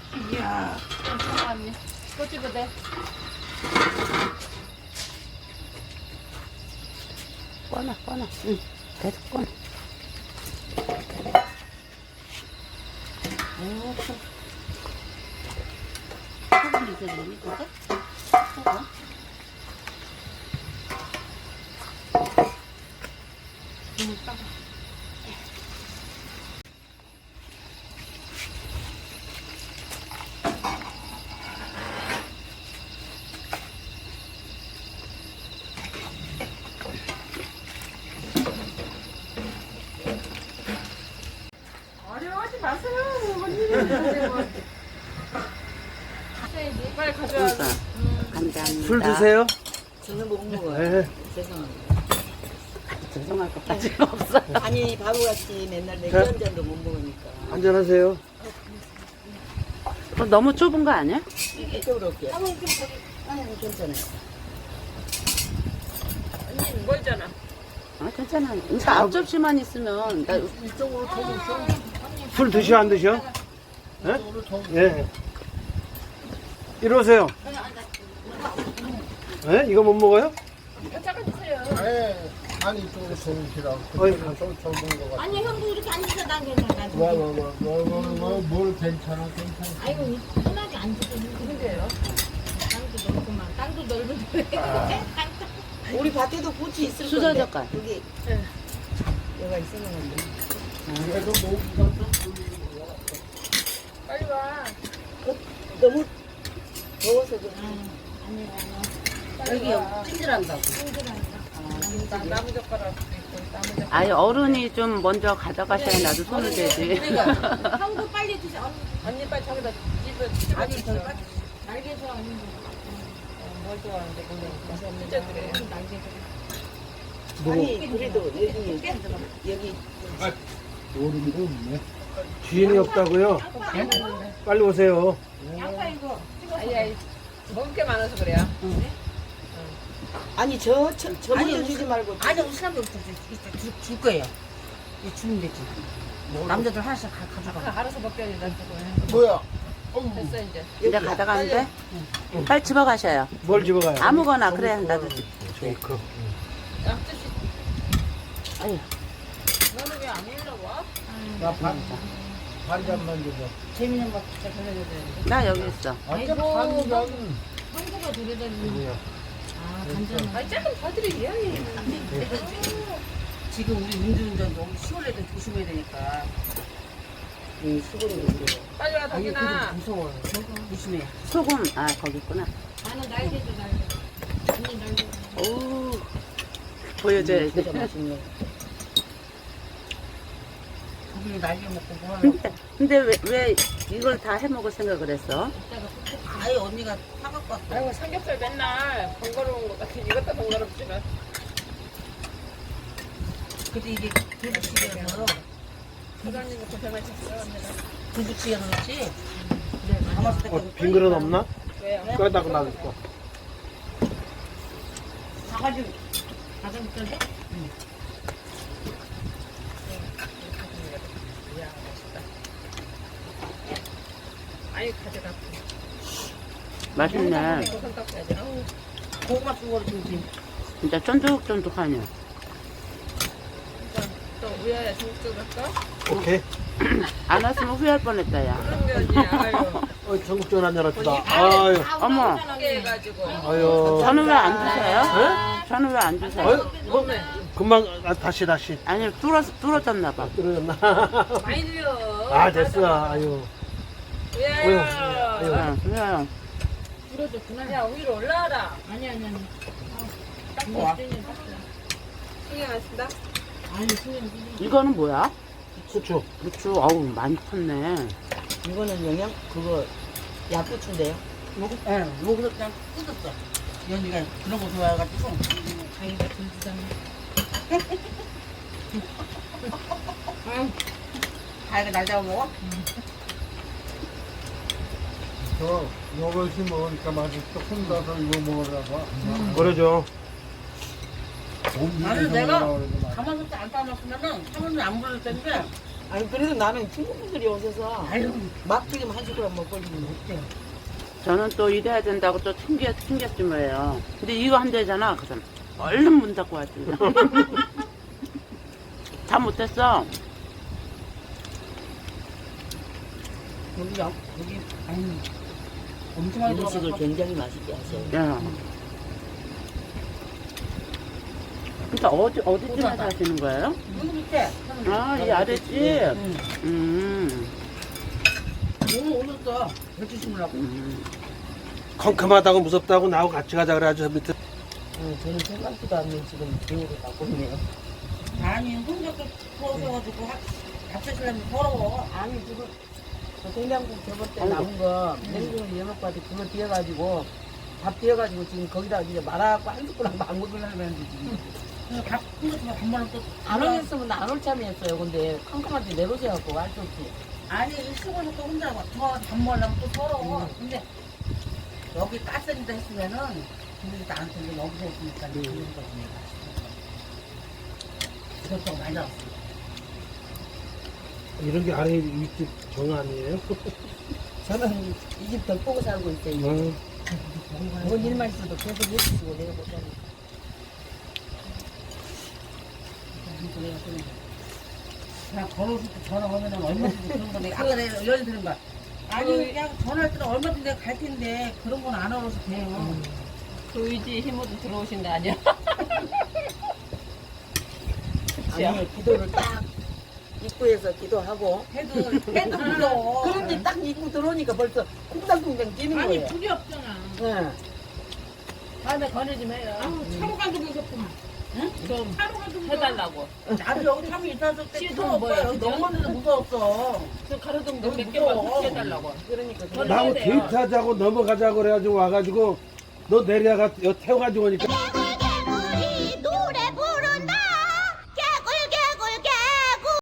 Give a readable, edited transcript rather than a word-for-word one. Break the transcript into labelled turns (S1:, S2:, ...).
S1: 이야, 잠깐만요. 꽂지도 돼.
S2: 꺼놔. 응, 계속 꺼놔. 소금 있어야 되니, 그거? 소금?
S1: 어려워하지 마세요. 빨리 가져와.
S2: 감사합니다.
S3: 술 드세요?
S4: 저는 못 먹어요.
S3: 네.
S4: 죄송합니다.
S2: 죄송할 것까지는 없어.
S4: 아니 바보같이 맨날 맥주
S3: 네?
S4: 한 잔도 못 먹으니까.
S3: 한잔하세요.
S2: 너무 좁은 거 아니야?
S4: 이쪽으로 올게요. 아니 괜찮아요.
S1: 언니 멀잖아.
S2: 아, 괜찮아. 그러니까 앞접시만 있으면 나
S4: 이쪽으로 더 있어.
S3: 술 드셔 안 드셔? 예? 예. 이리 오세요. 예? 이거 못 먹어요?
S1: 잠깐 주세요.
S5: 아니 이쪽으로 정시라고
S3: 어이,
S5: 좀 젊은 거 같아.
S6: 아니 형도 이렇게 앉아서 난 괜찮아.
S5: 뭘 괜찮아.
S6: 아이고 편하게 앉아서
S1: 근데요.
S6: 땅도 넓구만. 땅도 넓은데 왜
S4: 우리 밭에도 꽃이 있을 건데.
S2: 수저젓갈.
S4: 여기
S1: 네.
S4: 여가 있었는데.
S5: 그래도 뭐
S1: 빨리 와.
S4: 너무 더워서 그래.
S2: 여기 찜질한다고.
S1: 나무 젓가락 있고 나무 젓가락.
S2: 아니, 어른이 좀 먼저 가져가셔야 나도 손을 대지.
S6: 형도 빨리 드세요.
S1: 언니 빨리 저기다 집에
S4: 아니
S1: 있어.
S4: 저
S6: 날개서 아니면
S1: 뭘 좋아하는데 모르겠어. 진짜 그래.
S4: 아니 그래도 여기
S5: 모르는 없네.
S3: 주인이 없다고요? 빨리 오세요.
S6: 양파 이거
S1: 아니 먹을 게 많아서 그래요.
S4: 아니 저 먼저 주지 말고.
S7: 아니 우리 사람들 줄 거예요. 이거 주면 되지. 남자들 하나씩 가져가.
S1: 알아서 먹게 해야 된다.
S5: 뭐야?
S1: 됐어 이제.
S2: 이제 가져가는데? 빨리 집어가셔요.
S3: 뭘 집어가요?
S2: 아무거나, 그래, 나도.
S3: 저기 그.
S1: 양주씨.
S2: 아유,
S1: 너는 왜 안 올라와?
S5: 나 반잔만 줘봐.
S7: 재밌는 거 진짜 전해줘야 돼.
S2: 나 여기 있어.
S5: 아까 반잔.
S6: 형도가 노래다니는
S7: 아 간장.
S1: 아니 조금 더 드리게.
S7: 지금 우리 음주운전 너무 시골에 도 조심해야 되니까.
S4: 수고를
S1: 빨리 와
S7: 아니 그래도
S1: 덕이나.
S7: 무서워요. 조심해.
S2: 소금, 아, 거기 있구나.
S6: 나는 날개도 날개. 언니 날개.
S2: 오, 보여줘야지.
S4: 진짜 맛있네.
S7: 거기 날개 먹고 뭐 하는
S2: 근데 왜 이걸 다 해먹을 생각을 했어?
S7: 아예 언니가 사갖고 왔어.
S1: 아이고 삼겹살 맨날 번거로운 것 같아. 이것도 번거롭지만.
S7: 근데 이게 두부찌개라서
S1: 부장님이 고생하셨어요 언니가.
S7: 두부찌개는 그렇지. 가마솥 때까지
S3: 빈 그릇 없나?
S1: 왜요?
S3: 꺼다가 놔둘거.
S7: 사가지고 가자부터 해?
S1: 이야 맛있다. 아이 가져가.
S2: 맛있네.
S1: 손 닦아야지. 아우,
S7: 고구마 수거를 주지.
S2: 진짜 쫀득쫀득하냐.
S1: 진짜 또 우야야 중국집으로 할까?
S3: 오케이.
S2: 안 왔으면 후회할 뻔했다, 야.
S1: 그런 게 아니야. 아유.
S3: 전국전 한잔 합시다. 아유.
S2: 어머,
S1: 크게 해가지고.
S3: 아유.
S2: 저는 왜 안 주세요? 저는 왜 안 주세요?
S3: 아유, 뭐, 금방, 다시.
S2: 아니, 뚫어졌나 봐.
S3: 떨어졌나?
S1: 많이 들려.
S3: 아, 됐어. 아유.
S1: 우야야.
S3: 아유.
S2: 그래요.
S6: 부러졌구나.
S1: 야 위로 올라와라.
S6: 아니.
S1: 닦고 와. 신경 안 쓴다.
S6: 아니 그냥
S2: 이거는 뭐야?
S3: 후추.
S2: 부추, 어우, 많이 컸네.
S4: 이거는 영양 그거 약부추인데요.
S7: 여기서 그냥 뜯었어. 연이가 그런 거 좋아해가지고.
S6: 자기가 들주잖아.
S7: 다이가 날 잡아먹어?
S5: 이것이 먹으니까 맛있어. 혼자서 이거 먹으라고.
S3: 그러죠.
S7: 나는 내가 가마솥에 안 담았으면은 사모님 안 부를 텐데
S4: 아니 그래도 나는 친구분들이 오셔서
S7: 아유,
S4: 막튀김 한 숟가락 먹거리면 못돼요.
S2: 저는 또 일해야 된다고 또 챙겼지 뭐예요. 근데 이거 한 대잖아. 그래서 얼른 문 닫고 왔지. 다 못했어.
S7: 여기 아유, 엄청 많이
S4: 음식을
S7: 들어가서.
S4: 굉장히 맛있게 하세요.
S2: 야. 그러니까 어디쯤에 사시는 거예요?
S7: 여기 밑에.
S2: 아, 이 아랫집?
S7: 너무 오셨어. 배추 심으려고.
S3: 컴컴하다고 무섭다고 나하고 같이 가자 그래가지고 밑에
S4: 저는 생각지도 않는 지금 계획을 갖고 있네요.
S7: 아니, 혼자 또 부어셔가지고 잡수시려면 더러워.
S4: 아니 지금 저 생강국 저번 때 남은 거 냉동을 이어놓고 왔더니 그거 뒤어가지고 밥 뒤어가지고 지금 거기다 이제 말아갖고 한 숟가락 막 먹으려고 했는데 지금
S7: 한 번은 또.
S4: 안 오셨으면 안 올 참이었어요. 근데 컴컴한테 내놓으셔갖고 할 수 없지.
S7: 아니, 이 수건을 또 혼자 더밥 먹으려면 또 더러워. 근데 여기 가스인다 했으면은 분들이 나한테 이제 여기서 했으니까 이제 그런 거지. 이것저것 많이 나왔어.
S3: 이런 게 아래 윗집 정 아니에요?
S4: 저는 이 집 덜 보고 살고 있어요. 뭔 일만 있어도 계속 해주시고 내가 못하니까.
S7: 그냥 걸어서 전화하면 얼마든지 그런 거 내가 아까 내가 연이 드는 거야. 아니 그냥 전화할 때는 얼마든지 내가 갈 텐데 그런 건 안 알아서 돼요.
S1: 그 의지 힘으로 들어오신 거 아니야?
S4: 아니 기도를 딱 입구에서 기도하고
S7: 해도 무서워.
S4: 그런데 딱 입구 들어오니까 벌써 쿵당쿵당 뛰는
S6: 아니
S4: 거예요.
S6: 불이 없잖아.
S4: 네.
S1: 다음에 건의 좀 해요.
S6: 아우 차로 가지고 있었구만.
S1: 좀
S6: 차로 가지고
S1: 해달라고.
S7: 나도 여기 참이 있었을 때
S1: 시동
S7: 처음
S1: 뭐야,
S7: 오빠 여기
S1: 그죠?
S7: 넘었는데 무서웠어.
S1: 저 가로등
S7: 너무
S1: 몇 개만
S7: 무서워.
S1: 해달라고.
S4: 그러니까
S1: 저는
S3: 나하고
S1: 해야 돼요.
S3: 데이트하자고 넘어가자고 그래가지고 와가지고 너 내려가 여 태워가지고 오니까